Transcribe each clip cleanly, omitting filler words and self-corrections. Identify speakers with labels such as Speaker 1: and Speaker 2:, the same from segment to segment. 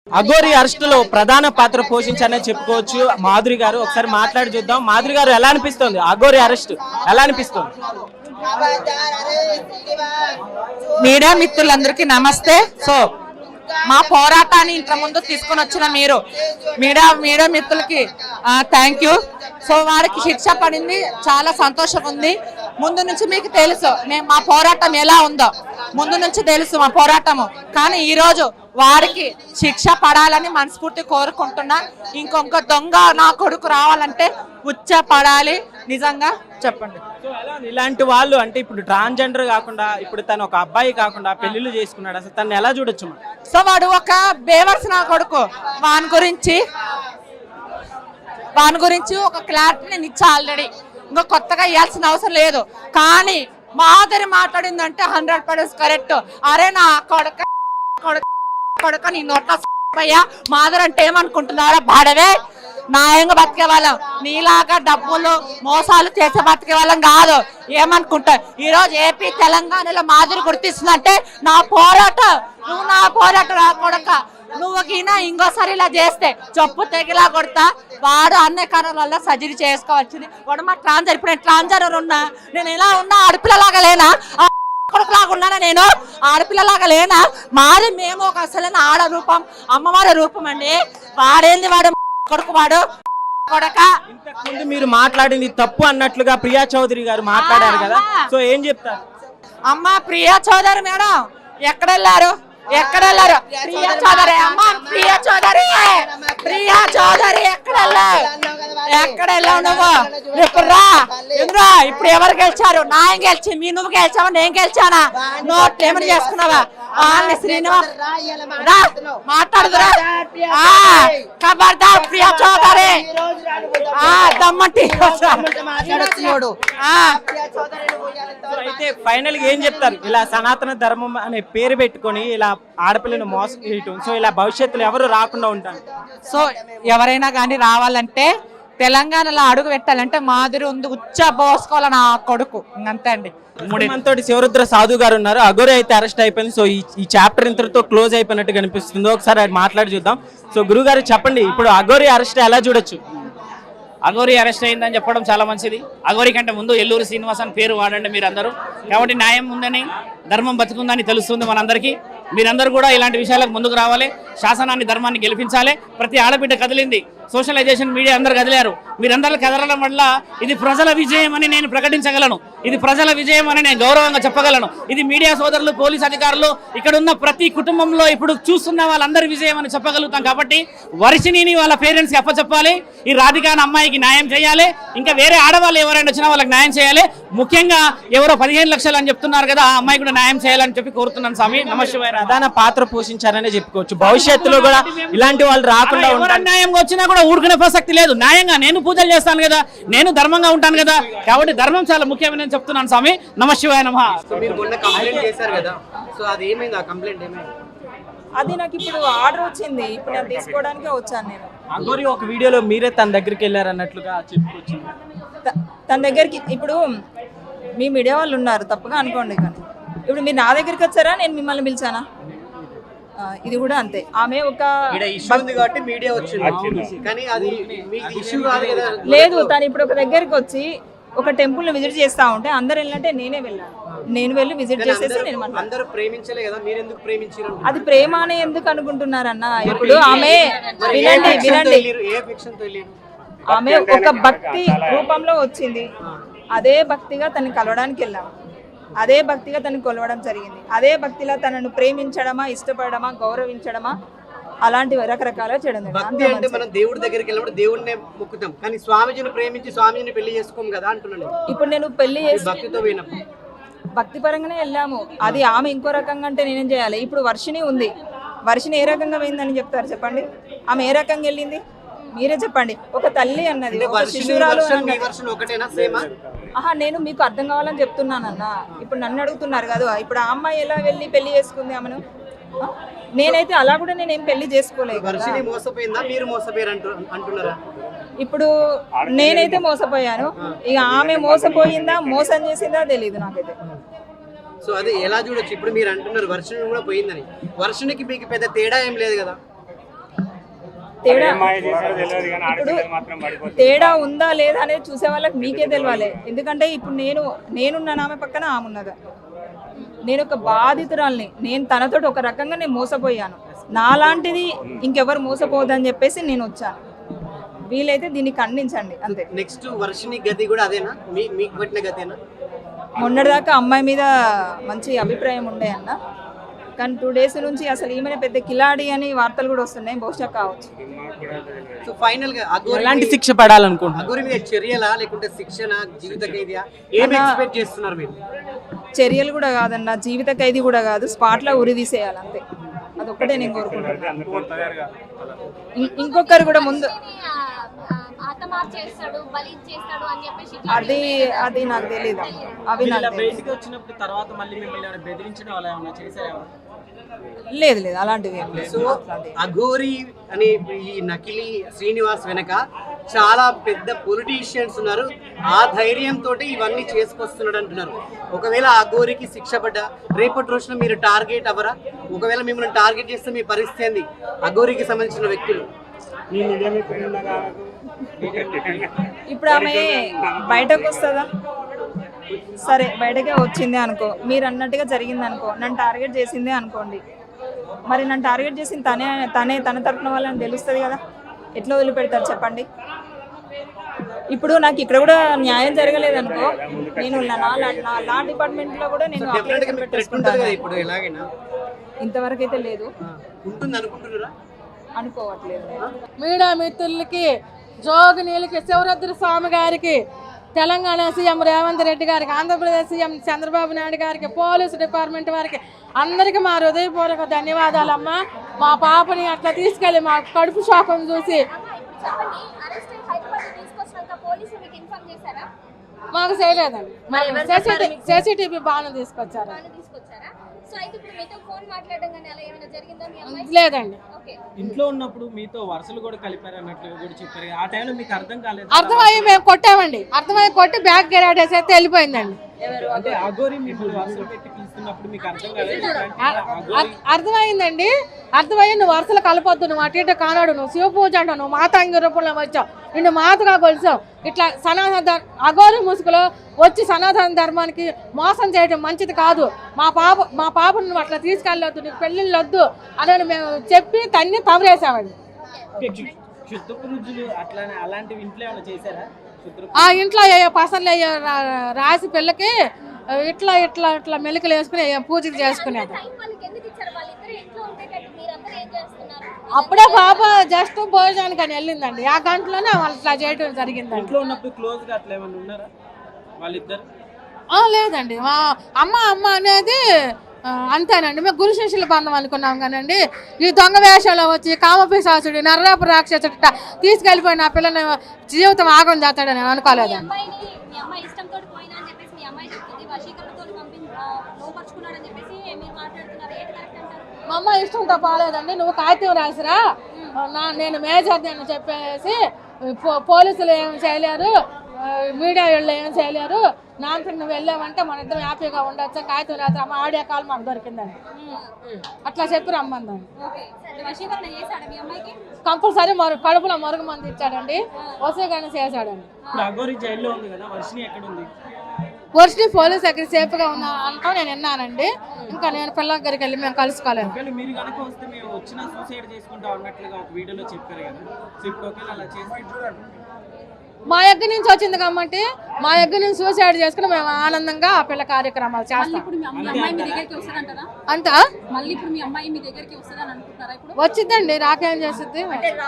Speaker 1: అఘోరి అరెస్టులో ప్రధాన పాత్ర పోషించారని చెప్పుకోవచ్చు మాధురి గారు. ఒకసారి మాట్లాడి చూద్దాం. మాధురి గారు, ఎలా అనిపిస్తుంది అఘోరి అరెస్ట్? ఎలా అనిపిస్తుంది?
Speaker 2: మీడియా మిత్రులందరికీ నమస్తే. సో మా పోరాటాన్ని ఇంత ముందు తీసుకొని వచ్చిన మీరు మీడియా మిత్రులకి థ్యాంక్ యూ. సో వారికి శిక్ష పడింది, చాలా సంతోషం ఉంది. ముందు నుంచి మీకు తెలుసు మా పోరాటం ఎలా ఉందో, ముందు నుంచి తెలుసు మా పోరాటము. కానీ ఈరోజు వారికి శిక్ష పడాలని మనస్ఫూర్తి కోరుకుంటున్నా. ఇంకొక దొంగ నా కొడుకు రావాలంటే ఉచ్చ పడాలి. నిజంగా చెప్పండి.
Speaker 1: ఇలాంటి వాళ్ళు అంటే ఇప్పుడు ట్రాన్స్జెండర్ కాకుండా, ఇప్పుడు తను ఒక అబ్బాయి కాకుండా పెళ్లిళ్ళు చేసుకున్నాడు, అసలు తను ఎలా చూడొచ్చు?
Speaker 2: సో వాడు ఒక బేవర్స్ నా కొడుకు. వాని గురించి ఒక క్లారిటీ నేను ఇచ్చా ఆల్రెడీ. ఇంకా కొత్తగా ఇవ్వాల్సిన అవసరం లేదు. కానీ మాధురి మాట్లాడిందంటే 100% కరెక్ట్. అరే నా కొడుక నీ నోట్ల మాధురి అంటే ఏమనుకుంటున్నారా? బాడవే న్యాయంగా బతికే వాళ్ళం, నీలాగా డబ్బులు మోసాలు చేసే బతికే వాళ్ళం కాదు. ఏమనుకుంటా ఈ రోజు ఏపీ తెలంగాణలో మాధురి గుర్తిస్తుందంటే నా పోరాటం. నువ్వు నా పోరాటం రా కొడక. నువ్వు గినా ఇంకోసారి ఇలా చేస్తే చెప్పు తెగిలా కొడతా. వాడు అన్ని కారణాల వల్ల సర్జరీ చేసుకోవాల్సింది. వాడు మా ట్రాన్స్జెండర్. ఇప్పుడు నేను ట్రాన్స్జెండర్ ఉన్నా, నేను ఎలా ఉన్నా ఆడపిల్లలాగా లేనా? కొడుకులాగా ఉన్నానా? నేను ఆడపిల్లలాగా లేనా? మాది మేము ఒక అసలైన ఆడ రూపం, అమ్మవారి రూపం అండి. వాడేంది వాడు కొడుకు, వాడు కొడక.
Speaker 1: ఇంతకుముందు మీరు మాట్లాడింది తప్పు అన్నట్లుగా ప్రియా చౌదరి గారు మాట్లాడారు కదా, సో ఏం చెప్తారు?
Speaker 2: అమ్మ ప్రియా చౌదరి మేడం ఎక్కడెళ్ళారు? ప్రియా చౌదరి అమ్మ, ప్రియా చౌదరి ఎక్కడెళ్ళావు నువ్వు? ఇప్పుడు రా. ఇప్పుడు ఎవరు గెలిచారు? నాయం గెలిచి నువ్వు గెలిచావా? నేను గెలిచానా? నోట్లు ఏమని చేసుకున్నావా? శ్రీనివాస్ రా, మాట్లాడుదురా. ఖబర్దార్ ప్రియా చౌదరి దమ్మంటి.
Speaker 1: అయితే ఫైనల్ గా ఏం చెప్తారు? ఇలా సనాతన ధర్మం అనే పేరు పెట్టుకొని ఇలా ఆడపిల్లను మోసం చేయటం, సో ఇలా భవిష్యత్తులో ఎవరు రాకుండా ఉంటారు.
Speaker 2: సో ఎవరైనా కానీ రావాలంటే, తెలంగాణలో అడుగు పెట్టాలంటే మాధురి ఉంది ఉచ్చ పోసుకోవాలి నా కొడుకు. ఇంకంతే అండి.
Speaker 1: మనతో శివరుద్ర సాధు గారు ఉన్నారు. అఘోరి అయితే అరెస్ట్ అయిపోయింది. సో ఈ చాప్టర్ ఇంతటితో క్లోజ్ అయిపోయినట్టు కనిపిస్తుంది. ఒకసారి మాట్లాడి చూద్దాం. సో గురువు గారు చెప్పండి, ఇప్పుడు అఘోరి అరెస్ట్ ఎలా చూడొచ్చు?
Speaker 3: అఘోరి అరెస్ట్ అయిందని చెప్పడం చాలా మంచిది. అఘోరి కంటే ముందు ఎల్లూరు శ్రీనివాస్ అని పేరు వాడండి మీరు అందరూ. కాబట్టి న్యాయం ఉందని, ధర్మం బతుకుందని తెలుస్తుంది మనందరికీ. మీరందరూ కూడా ఇలాంటి విషయాలకు ముందుకు రావాలి. శాసనాన్ని, ధర్మాన్ని గెలిపించాలి. ప్రతి ఆడబిడ్డ కదిలింది. సోషలైజేషన్ మీడియా అందరు కదిలారు. మీరందరూ కదలడం వల్ల ఇది ప్రజల విజయం అని నేను ప్రకటించగలను. ఇది ప్రజల విజయం అని నేను గౌరవంగా చెప్పగలను. ఇది మీడియా సోదరులు, పోలీస్ అధికారులు, ఇక్కడ ఉన్న ప్రతి కుటుంబంలో ఇప్పుడు చూస్తున్న వాళ్ళందరి విజయం అని చెప్పగలుగుతాం. కాబట్టి వర్షిణిని వాళ్ళ పేరెంట్స్కి అప్పచెప్పాలి. ఈ రాధిక అమ్మాయికి న్యాయం చేయాలి. ఇంకా వేరే ఆడవాళ్ళు ఎవరైనా వచ్చినా వాళ్ళకి న్యాయం చేయాలి. ముఖ్యంగా ఎవరో 15 లక్షలు అని చెప్తున్నారు కదా, ఆ అమ్మాయి కూడా న్యాయం చేయాలని చెప్పి కోరుతున్నాను. స్వామి నమశివాయ.
Speaker 1: ప్రధాన పాత్ర పోషించారనే చెప్పుకోవచ్చు. భవిష్యత్తులో కూడా ఇలాంటి వాళ్ళు రాకుండా ఉంటారు.
Speaker 3: న్యాయంగా వచ్చినా కూడా ఊరుకునే ప్రసక్తి లేదు. న్యాయంగా నేను పూజలు చేస్తాను కదా, నేను ధర్మంగా ఉంటాను కదా. కాబట్టి ధర్మం చాలా ముఖ్యమని నేను చెప్తున్నాను. స్వామి నమశివాయ నమః.
Speaker 4: అది నాకు ఇప్పుడు ఆర్డర్ వచ్చింది, ఇప్పుడు నేను తీసుకోవడానికే వచ్చాను. నేను
Speaker 1: అఘోరి ఒక వీడియోలో మీరే తన దగ్గరికి వెళ్ళారు అన్నట్లుగా చెప్పుకోవచ్చు.
Speaker 4: తన దగ్గరికి ఇప్పుడు మీ మీడియా వాళ్ళు ఉన్నారు, తప్పుగా అనుకోండి. కానీ ఇప్పుడు మీరు నా దగ్గరికి వచ్చారా, నేను మిమ్మల్ని పిలిచానా? ఇది కూడా అంతే. ఆమె ఒక లేదు, తను ఇప్పుడు ఒక దగ్గరికి వచ్చి ఒక టెంపుల్ ని విజిట్ చేస్తా ఉంటే అందరు వెళ్ళినట్టే నేనే వెళ్ళాను. నేను వెళ్ళి విజిట్ చేసేసి అది ప్రేమ అని ఎందుకు అనుకుంటున్నారన్న? ఇప్పుడు ఆమె వినండి, ఆమె ఒక భక్తి రూపంలో వచ్చింది. అదే భక్తిగా తనని కలవడానికి వెళ్ళాము. అదే భక్తిగా తనని కొలవడం జరిగింది. అదే భక్తిలో తనను ప్రేమించడమా, ఇష్టపడమా, గౌరవించడమా, అలాంటివి రకరకాలుగా చేయడం.
Speaker 5: అంటే మనం దేవుడి దగ్గరికి వెళ్ళినప్పుడు దేవుడినే మొక్కుతాం, కానీ స్వామిజీని ప్రేమించి స్వామిజీని పెళ్లి చేసుకోం కదా అంటున్నాను.
Speaker 4: ఇప్పుడు నేను పెళ్లి చేసి
Speaker 5: భక్తితో పోయినప్పుడు
Speaker 4: భక్తి పరంగానే వెళ్ళాము. అది ఆమె ఇంకో రకంగా అంటే నేనేం చేయాలి? ఇప్పుడు వర్షిణి ఉంది, వర్షిణి ఏ రకంగా పోయిందని చెప్తారు చెప్పండి? ఆమె ఏ రకంగా వెళ్ళింది మీరే చెప్పండి. ఒక తల్లి అన్నది, ఒక శిశురాలు నేను మీకు అర్థం కావాలని చెప్తున్నానన్న. ఇప్పుడు నన్ను అడుగుతున్నారు కదా, ఇప్పుడు ఆ అమ్మాయి ఎలా వెళ్ళి పెళ్లి చేసుకుంది ఆమెను? నేనైతే అలా కూడా నేనేం పెళ్లి చేసుకోలేదు. ఇప్పుడు నేనైతే మోసపోయాను. ఇక ఆమె మోసపోయిందా, మోసం చేసిందా తెలీదు నాకైతే.
Speaker 5: సో అది ఎలా చూడొచ్చు? ఇప్పుడు మీరు అంటున్నారు వర్షిణి కూడా పోయిందని, వర్షిణికి మీకు పెద్ద తేడా ఏం లేదు కదా.
Speaker 4: తేడా ఇప్పుడు తేడా ఉందా లేదా అనేది చూసే వాళ్ళకి మీకే తెలియాలి. ఎందుకంటే ఇప్పుడు నేనున్నాను, ఆమె పక్కన ఆమె ఉన్నదా. నేను ఒక బాధితురాల్ని, నేను తనతోటి ఒక రకంగా నేను మోసపోయాను. నాలాంటిది ఇంకెవరు మోసపోదని చెప్పేసి నేను వచ్చాను. వీలైతే దీన్ని ఖండించండి అంతే.
Speaker 5: నెక్స్ట్ వర్షిని గతి కూడా అదేనా, మీకు పెట్టిన గతేనా?
Speaker 4: మొన్నటిదాకా అమ్మాయి మీద మంచి అభిప్రాయం ఉండే అన్న, కానీ 2 days నుంచి అసలు ఈమె పెద్ద కిలాడి అని వార్తలు కూడా వస్తున్నాయి. బహుశా కావచ్చు.
Speaker 5: సో ఫైనల్ గా
Speaker 1: ఎలాంటి శిక్ష పడాలనుకుంటున్నారు?
Speaker 5: అఘోరి మీద చర్యలా లేకుంటే శిక్షణ, జీవిత ఖైదీయా, ఏం ఎక్స్పెక్ట్ చేస్తున్నారు మీరు?
Speaker 4: చర్యలు కూడా కాదన్న, జీవిత ఖైదీ కూడా కాదు, స్పాట్లో ఉరి తీసేయాలి అంతే. అదొక్కటే నేను కోరుకుంటున్నాను. ఇంకొకరు కూడా ముందు అది నాకు తెలియదు. అవి నాకు
Speaker 1: బయటికి వచ్చినప్పుడు తర్వాత మళ్ళీ మిమ్మల్ని బెదిరించడం అలా ఏమైనా చేశారా?
Speaker 4: లేదు అలాంటివి ఏం లేదు.
Speaker 5: సో అఘోరి అనే ఈ నకిలీ శ్రీనివాస్ వెనక చాలా పెద్ద పొలిటీషియన్స్ ఉన్నారు. ఆ ధైర్యంతో ఇవన్నీ చేసుకొస్తున్నాడు అంటున్నారు. ఒకవేళ అఘోరికి శిక్ష పడ్డా రేపటి రోజున మీరు టార్గెట్ అవ్వరా? ఒకవేళ మిమ్మల్ని టార్గెట్ చేస్తే మీ పరిస్థితి ఏంది? అఘోరికి సంబంధించిన వ్యక్తులు
Speaker 4: ఇప్పుడు ఆమె బయటకు వస్తుందా? సరే బయటకే వచ్చిందే అనుకో, మీరు అన్నట్టుగా జరిగింది అనుకో, నన్ను టార్గెట్ చేసిందే అనుకోండి. మరి నన్ను టార్గెట్ చేసింది తన తరపున వాళ్ళని తెలుస్తుంది కదా, ఎట్లా వదిలిపెడతారు చెప్పండి? ఇప్పుడు నాకు ఇక్కడ కూడా న్యాయం జరగలేదు అనుకో, నేను నా లా డిపార్ట్మెంట్లో కూడా నేను అప్లికేషన్ పెట్టేసుకుంటాను.
Speaker 5: ఇప్పుడు ఎలాగైనా
Speaker 4: ఇంతవరకు అయితే లేదు,
Speaker 5: ఉంటుంది అనుకుంటున్నారా?
Speaker 4: అనుకోవట్లేదు.
Speaker 6: మీడియా మిత్రులకి, జోగినీలకి, శివరుద్ర స్వామి గారికి, తెలంగాణ సీఎం రేవంత్ రెడ్డి గారికి, ఆంధ్రప్రదేశ్ సీఎం చంద్రబాబు నాయుడు గారికి, పోలీసు డిపార్ట్మెంట్ వారికి అందరికీ మా హృదయపూర్వక ధన్యవాదాలమ్మా. మా పాపని అట్లా తీసుకెళ్ళి మా కడుపు షాకం చూసి మాకు చేయలేదండి. CCTV బాగా తీసుకొచ్చారు. లేదండి.
Speaker 1: ఇంట్లో ఉన్నప్పుడు మీతో వరుసలు కూడా కలిపారు అన్నట్లు కూడా చెప్పారు. ఆ టైంలో మీకు అర్థం కాలేదు?
Speaker 6: అర్థమయ్యి మేము కొట్టామండి. అర్థమయ్యి కొట్టి బ్యాగ్ గెరాడేసి అయితే వెళ్ళిపోయిందండి.
Speaker 1: అంటే అఘోరి మిమ్మల్ని వరుసలు పెట్టి పిలుస్తున్నప్పుడు మీకు అర్థం కాలేదు?
Speaker 6: అర్థమైందండి. అర్థమయ్యి నువ్వు వరుసలు కలపొద్దు, నువ్వు అటు ఇటు కానాడు, నువ్వు శివ పూజ అంటావు, నువ్వు మాతాంగి రూపంలో వచ్చావు, నిన్ను మాతగా కొలిసావు, ఇట్లా సనాతన అఘోరి ముసుగులో వచ్చి సనాతన ధర్మానికి మోసం చేయడం మంచిది కాదు. మా పాపను నువ్వు అట్లా తీసుకెళ్ళొద్దు, నీకు పెళ్ళిళ్ళు వద్దు అని మేము చెప్పి తన్ని తవరేసామండి.
Speaker 1: క్షుద్రపురుజులు అట్లానే అలాంటివి ఇంట్లో ఏమైనా చేశారా?
Speaker 6: ఆ ఇంట్లో పసర్లు రాసి పిల్లకి ఇట్లా ఇట్లా ఇట్లా మెలికలు వేసుకుని పూజలు చేసుకునేది. అప్పుడే పాప జస్ట్ భోజనానికి అని వెళ్ళిందండి. ఆ గంటలోనే వాళ్ళు ఇట్లా చేయడం జరిగిందండి.
Speaker 1: ఇంట్లో ఉన్నప్పుడు క్లోజ్ గా అట్లా ఏమైనా ఉన్నారా వాళ్ళిద్దరు?
Speaker 6: లేదండి. మా అమ్మ అనేది అంతేనండి. మేము గురు శిష్యుల బంధం అనుకున్నాం కానండి, ఈ దొంగ వేషంలో వచ్చి కామపిశాసుడు, నర్రాపు రాక్షసుడు తీసుకెళ్ళిపోయిన ఆ పిల్లని జీవితం ఆగం చేస్తాడని నేను అనుకోలేదండి. మా అమ్మ ఇష్టంతో పోలేదండి. నువ్వు కాగితం రాసిరా, నేను మేజర్ అని చెప్పేసి పోలీసులు ఏం చేయలేరు, మీడియా వాళ్ళు ఏం చేయలేరు, నాన్నకి నువ్వు వెళ్ళావంటే మన ఇద్దరం హ్యాపీగా ఉండొచ్చు, కాగితం రాత్రి అమ్మ ఆడియో కాల్ మాకు దొరికిందండి. అట్లా చెప్పి రమ్మందండి. కంపల్సరీ కడుపులో మరుగు మంది ఇచ్చాడండి, వసీకరణ చేశాడండి. వర్షిని పోలీస్ దగ్గర సేఫ్గా ఉన్నా అంటాం నేను విన్నానండి. ఇంకా నేను పిల్లల దగ్గరికి వెళ్ళి మేము కలుసుకోలేదు. మా దగ్గర నుంచి వచ్చింది కాబట్టి మా దగ్గర నుంచి సూసైడ్ చేసుకుని మేము ఆనందంగా ఆ పిల్ల కార్యక్రమాలు చేస్తాం. అంతా వచ్చిందండి, రాకేం చేస్తుంది.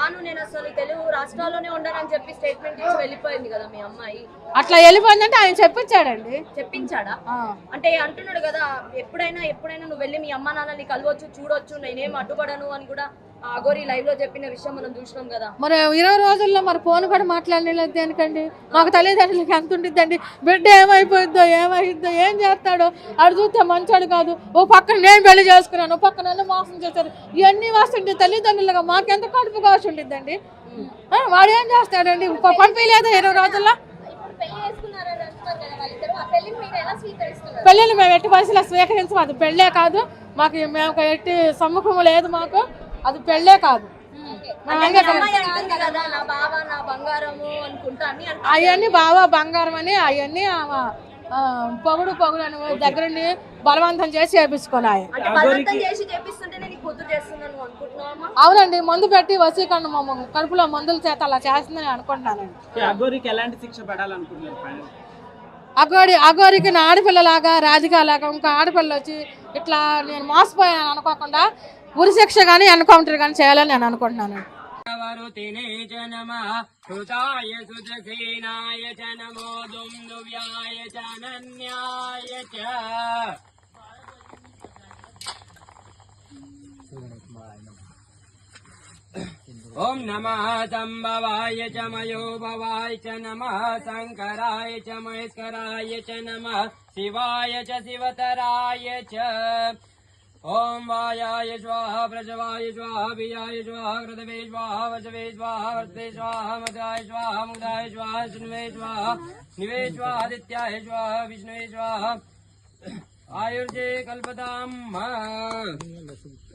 Speaker 6: అట్లా వెళ్ళిపోయిందంటే ఆయన చెప్పించాడండి.
Speaker 7: చెప్పించాడా? అంటే అంటున్నాడు కదా, ఎప్పుడైనా నువ్వు వెళ్ళి మీ అమ్మ నాన్నని కలవచ్చు, చూడొచ్చు, నేనేం అడ్డుపడను అని కూడా అఘోరి లైవ్ లో చెప్పిన విషయం మనం చూసినాం కదా.
Speaker 6: మరి 20 రోజుల్లో మరి ఫోన్ కూడా మాట్లాడలేదు దేనికండి? మాకు తల్లిదండ్రులకి ఎంత ఉంటుందండి? బిడ్డ ఏమైపోయిందో ఏం చేస్తాడో అడు చూస్తే మంచోడు కాదు. ఓ పక్కన నేను పెళ్లి చేసుకున్నాను, ఓ పక్కన నన్ను మోసం చేశారు, ఇవన్నీ వస్తుంటే తల్లిదండ్రులుగా మాకెంత కడుపు కాసి ఉంటుందండి. వాడు ఏం చేస్తాడండి? పంపించలేదా 20 రోజుల్లో? పెళ్ళిళ్ళు మేము ఎట్టి పరిస్థితుల్లో స్వీకరించము. అది పెళ్ళే కాదు మాకు, మేము ఎట్టి సమ్ముఖం లేదు మాకు, అది పెళ్ళే కాదు.
Speaker 7: అంటే మీ అమ్మాయి అంటుంది కదా నా బావ నా బంగారము అనుకుంటా అని
Speaker 6: అవన్నీ బావా బంగారం అని అవన్నీ పొగుడు అని దగ్గరుండి బలవంతం చేసి చేపించుకున్నాయి.
Speaker 7: అంటే బలవంతం చేసి చేపిస్తుంటేనే నీకు కూతురు చేస్తున్నాను అనుకుంటున్నావా?
Speaker 6: అవునండి, మందు పెట్టి వసీకరణ కడుపులో మందుల చేత అలా చేస్తుందని అనుకుంటున్నానండి.
Speaker 1: అఘోరికి ఎలాంటి శిక్ష పడాలనుకుంటున్నారు?
Speaker 6: అఘోరికి నా ఆడపిల్లలాగా రాజకీయాలాగా ఇంకా ఆడపిల్ల వచ్చి ఇట్లా నేను మోసపోయాను అనుకోకుండా ఉరి శిక్ష కానీ ఎన్కౌంటర్ కానీ చేయాలని నేను అనుకుంటున్నాను.
Speaker 8: ఓం నమః సంభవాయ చ మయో భవాయ చ నమః శంకరాయ చ మహేశ్వరాయ చ నమః శివాయ చ శివతరాయ చ ఓం వాయాయ స్వాహ ప్రజవాయ స్వాహ బియాయ స్వాహ కృతవే స్వాహ వచవే స్వాహ వర్తే స్వాహ మదాయ స్వాహ ముదాయ స్వాహ శృణ్వే స్వాహ నివే స్వాహాదిత్యాయ స్వాహ విష్ణువే స్వాహ ఆయుర్జే కల్పతాం